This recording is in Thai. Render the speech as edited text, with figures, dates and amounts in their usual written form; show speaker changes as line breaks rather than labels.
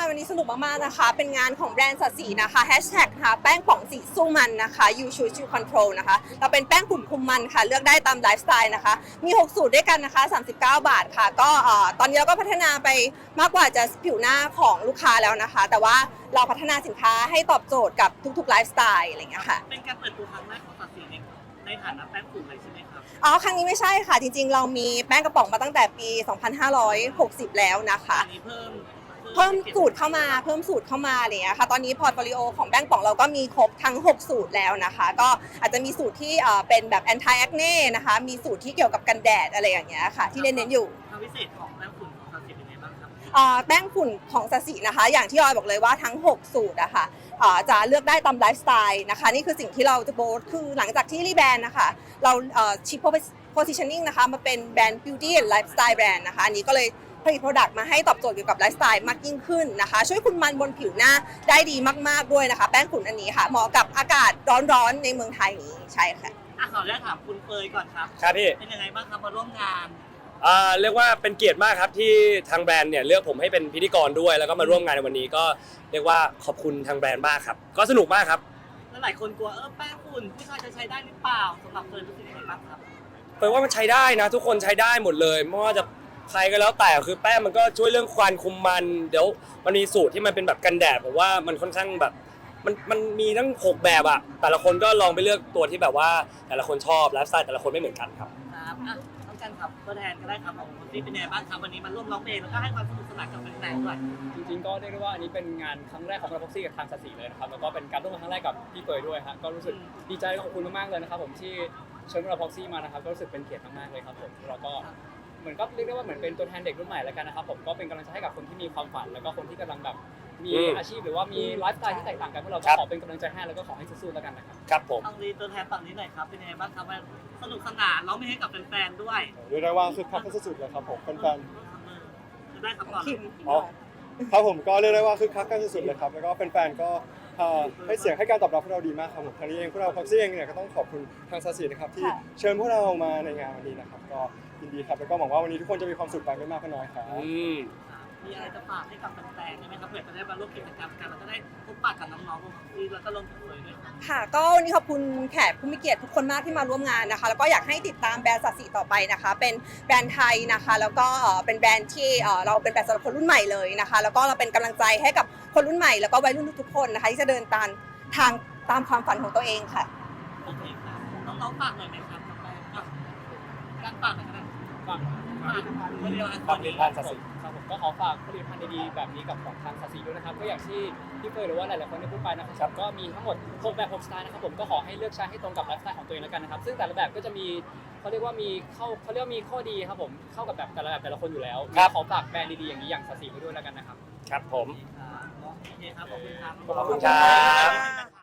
วันนี้สนุกมากๆนะคะเป็นงานของแบรนด์สัตว์สีนะคะแฮชแท็กนะคะแป้งป่องสีสู้มันนะคะ You Choose You Control นะคะเราเป็นแป้งกลุ่มคุมมันค่ะเลือกได้ตามไลฟ์สไตล์นะคะมี6สูตรด้วยกันนะคะ39 บาทค่ะก็ตอนนี้เราก็พัฒนาไปมากกว่าจะผิวหน้าของลูกค้าแล้วนะคะแต่ว่าเราพัฒนาสินค้าให้ตอบโจทย์กับทุกๆไลฟ์สไตล์อะไรอย่างเงี้ยค่ะ
เป็นการเปิดตัวครั้งแรกของสัตว์สีในฐานะแป้งฝุ่นเลยใช่ไหมครับ
ครั้งนี้ไม่ใช่ค่ะจริงๆเรามีแป้งกระป๋องมาตั้งแต่ปี 2560 แล้วนะคะ
อันนี้เพิ่ม
สูตรเข้ามาอะไรอย่างเงี้ยค่ะตอนนี้พอร์ตโฟลิโอของแป้งป่องเราก็มีครบทั้ง6สูตรแล้วนะคะก็อาจจะมีสูตรที่เป็นแบบ anti acne นะคะมีสูตรที่เกี่ยวกับกันแดดอะไรอย่างเงี้ยค่ะที่เน้นๆอยู่
ความพิเศษของแป้งฝุ่นของสัตว์สีเป็นไงบ้างครับ
แป้งฝุ่นของสัสีนะคะอย่างที่ออยบอกเลยว่าทั้ง6สูตรอะค่ะจะเลือกได้ตามไลฟ์สไตล์นะคะนี่คือสิ่งที่เราจะโบสคือหลังจากที่รีแบรนด์นะคะเราชิปpositioning นะคะมาเป็นแบรนด์ beauty and lifestyle brand นะคะอันนี้ก็เลยผลิต product มาให้ตอบโจทย์เกี่ยวกับไลฟ์สไตล์มากยิ่งขึ้นนะคะช่วยคุมมันบนผิวหน้าได้ดีมากๆด้วยนะคะแป้งฝุ่นอันนี้ค่ะเหมาะกับอากาศร้อนๆในเมืองไทยนี้ใช่ค่ะ
ขออนุญาตถามคุณเฟยก่อนครับ
ครับพี่
เป็นยังไงบ้างครับมาร่วมงาน
เรียกว่าเป็นเกียรติมากครับที่ทางแบรนด์เนี่ยเลือกผมให้เป็นพิธีกรด้วยแล้วก็มาร่วมงานในวันนี้ก็เรียกว่าขอบคุณทางแบรนด์มากครับก็สนุกมากครับ
แล้วหลายคนกลัวแป้งฝุ่นผู้ชายจะใช้ได้หรือเปล่าสำหรับเฟยรู้สึกยังไงบ้างครับ
เฟยว่ามันใช้ได้นะทุกคนใช้ได้หมดเลยไม่ว่าจะใครก็แล้วแต่คือแป้งมันก็ช่วยเรื่องควันคุมมันเดี๋ยวมันมีสูตรที่มันเป็นแบบกันแดดผมว่ามันค่อนข้างแบบมันมีทั้ง6แบบอะแต่ละคนก็ลองไปเลือกตัวที่แบบว่าแต่ละคนชอบไลฟ์สไตล์แต่ละคนไม่เหมือนกันครับ
ต้องการครับตัวแทนก็ได้ครับของคนที่เป็นยังไงบ้างครับวันนี้มาร่วมร้องเพลงแล้วก็ให้ความสนุกสนานกับแฟนๆด้วย
จริงๆก็เรียกได้ว่าอันนี้เป็นงานครั้งแรกของเราพ็อกซี่กับทางสัตว์สีเลยนะครับแล้วก็เป็นการร่วมงานครั้งแรกกับพี่เฟยด้วยฮะก็รู้สึกดีใจและขอบคุณมากๆเลยนะครับผมที่เชิญเราพ็อกซี่มานะครับก็รู้สึกเป็นเกียรติมากๆเลยครับผมเราก็เหมือนก็เรียกได้ว่าเหมือนเป็นตัวแทนเด็กรุ่นใหม่แล้วกันนะครับผมก็เป็นกำลังใจให้กับคนที่มีความฝันแล้วก็คนที่กำลังแบบมีอาชีพหรือว่ามีไลฟ์สไตล์ที่แตกต่างกันพวกเราก็ขอเป็นกำลังใจให้แล้วก็ขอให้สู้ๆแล้วกันนะครับ
ครับผม
ทางนี้ตัวแทนฝั่งนี้หน่อยครับเป็นยังไงบ้างครับสนุกสนานร้องเพลงให้กับแฟนๆด้วย
เรียกได้ว่าคึกคักสุดๆเลยครับผมแฟน
ๆจะได้ครับก่อน
ครับผมก็เรียกได้ว่าคึกคักกันสุดๆเลยครับแล้วก็แฟนๆก็ให้เสียงให้การตอบรับพวกเราดีมากครับผมทางนี้เองพวกเราพ็อกซี่เองเนี่ยก็ต้องขอบคุณทางสัตว์สีนะครับที่เชิญพวกเรามาในงานวันนี้นะครับก็ยินดีครับแล้วก็หวังว่าวันนี้ทุกคนจะมีความสุขไปไม่มากก็น้อยครับ
มีอะไรจะฝากให้กับแฟนๆได้ไหมครับเผื่อจะได้มาร่วมกิจกรรมกันแล้วก็ได้พบปะกับน้องๆแล้วก็รวมถึงเลยด้วย
ค่ะก็วันนี้ขอบคุณแขกผู้มีเกียรติทุกคนมากที่มาร่วมงานนะคะแล้วก็อยากให้ติดตามแบรนด์สัตว์สีต่อไปนะคะเป็นแบรนด์ไทยนะคะแล้วก็เป็นแบรนด์ที่เราเป็นแบรนด์สำหรับคนรุ่นใหม่เลยนะคะแล้วก็เราเป็นกำลังใจให้กับคนรุ่นใหม่แล้วก็วัยรุ่นทุกๆคนนะคะที่จะเดินตามความฝันของตัวเองค่ะ
โอเคครับน้องๆฝากหน่อยไหมครับการฝากหน่อยครับ
ฝาก
ผลิต
ภัณฑ์สัตว์สี
ครับผมก็ขอฝากผลิตภัณฑ์ดีๆแบบนี้กับของทางสัตว์สีด้วยนะครับก็อย่างที่พี่เฟยหรือว่าหลายๆคนได้พูดไปนะครับก็มีทั้งหมด6แบบ6สไตล์นะครับผมก็ขอให้เลือกใช้ให้ตรงกับไลฟ์สไตล์ของตัวเองแล้วกันนะครับซึ่งแต่ละแบบก็จะมีเขาเรียกว่ามีข้อดีครับผมเข้ากับแบบแต่ละคนอยู่แล้วขอฝากแบรนด์ดีๆอย่างนี้อย่างสัตว์สีไว้ด้วยแล้วกันนะครับ
ครับผม
โอเคครับขอบคุณครับ
ขอบคุณครับ